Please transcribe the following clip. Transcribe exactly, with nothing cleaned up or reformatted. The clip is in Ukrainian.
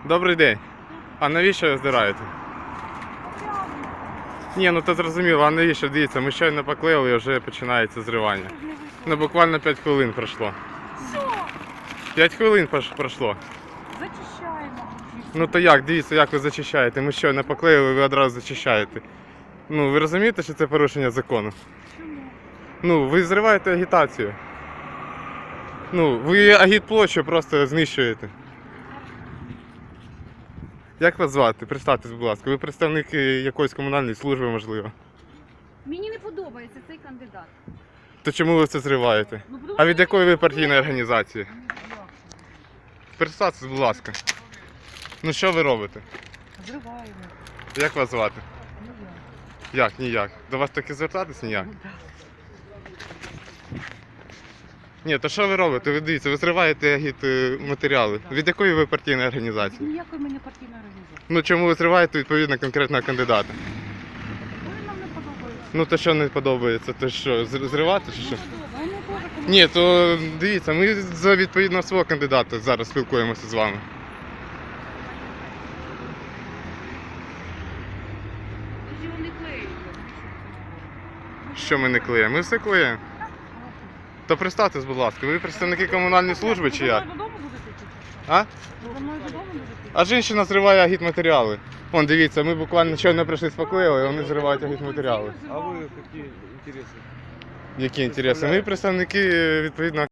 Добрий день. А навіщо ви здираєте? Ні, ну то зрозуміло, а навіщо? Дивіться, ми щойно поклеїли і вже починається зривання. Ну буквально п'ять хвилин пройшло. Що? п'ять хвилин прош- пройшло. Зачищаємо. Ну то як, дивіться, як ви зачищаєте? Ми щойно поклеїли, ви одразу зачищаєте. Ну ви розумієте, що це порушення закону? Чому? Ну, ви зриваєте агітацію. Ну, ви агітплощу просто знищуєте. Як вас звати? Представтесь, будь ласка. Ви представник е, якоїсь комунальної служби, можливо. Мені не подобається цей кандидат. То чому ви це зриваєте? Ну, тому А що від якої ви партійної організації? Представтесь, будь ласка. Ну що ви робите? Зриваємо. Як вас звати? Ну я. Як, ніяк? До вас таки звертатись ніяк? Ну, да. Ні, то що ви робите? Ви дивіться, ви зриваєте агіт е, матеріали. Від якої ви партійної організації? Ніякої мені партійної організації. Ну чому ви зриваєте відповідно конкретного кандидата? Вони нам не подобаються. Ну то що не подобається, то що, зр- зривати чи що? Не подобається. Вони теж комусь. Ні, то дивіться, ми за відповідно свого кандидата зараз спілкуємося з вами. Тоді вони клеють. Що ми не клеїмо? Ми все клеїмо. То представтесь, будь ласка, ви представники комунальної служби чи як? Ви додому будете йти? А? Ви за мною додому будете йти? А жінка зриває агітматеріали. Вон, дивіться, ми буквально щойно прийшли споклеїли, вони зривають агітматеріали. А вы какие интересы? Які інтереси? Ми представники е, відповідного